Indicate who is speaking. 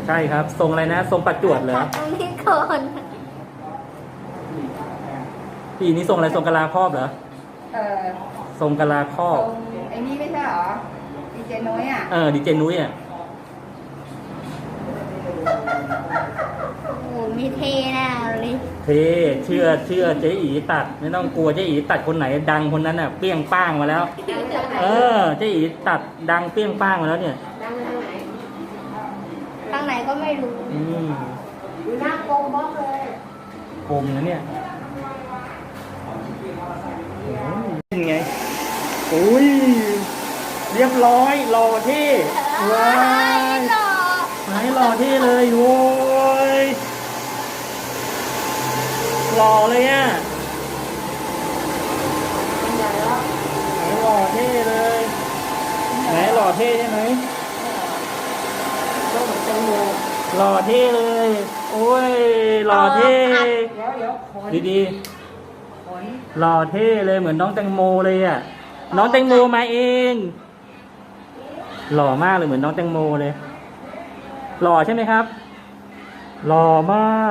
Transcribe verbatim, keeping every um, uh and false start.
Speaker 1: ใช่ครับทรงอะไรนะทรงประจวดเหรอ
Speaker 2: ตัดตรงนี้ก่อน
Speaker 1: พี่นี่ทรงอะไรทรงกะลาครอบเหรอ
Speaker 3: เออ
Speaker 1: ทรงกะลาครอ
Speaker 3: ต
Speaker 1: บ
Speaker 3: รงไอ้นี่ไม่ใช่เหรอดีเจนุ้ยอ่ะ
Speaker 1: เออดีเจนุ้ยอ่ะ
Speaker 2: โอ้โหมีเทแน่เลย
Speaker 1: เทเชื่อเชื่อเจ๊อีตัดไม่ต้องกลัวเจ๊อีตัดคนไหนดังคนนั้นน่ะเปรี้ยงป้างมาแล้ว เออเจ๊อีตัดดังเปรี้ยงป้างมาแล้วเนี่ย
Speaker 3: ดังทางไหน
Speaker 2: ทางไหนก็ไม่รู้
Speaker 1: อืม
Speaker 3: อยู่หน้ากงบล็อกเลย
Speaker 1: คมนะเนี่ยเป็นไงอุ้ยเรียบร้อยหล่อเท่ว้าย
Speaker 2: หล่อ
Speaker 1: ไหนหล่อเท่เลยโว้ยหล่อเลยอ่ะ
Speaker 3: เป็นใหญ่แล้ว
Speaker 1: ไหนหล่อเท่เลยไหนหล่อเท่ใช่ไหม
Speaker 3: ก็เหมือนแตงโม
Speaker 1: หล่อเท่เลย โอ้ยหล่อเท่
Speaker 3: เดี๋ยวเดี๋ยวขน
Speaker 1: ดี
Speaker 3: ขน
Speaker 1: ๆหล่อเท่เลยเหมือนน้องแตงโมเลยอ่ะน้องแตงโมมาเองหล่อมากเลยเหมือนน้องแตงโมเลยหล่อใช่ไหมครับหล่อมาก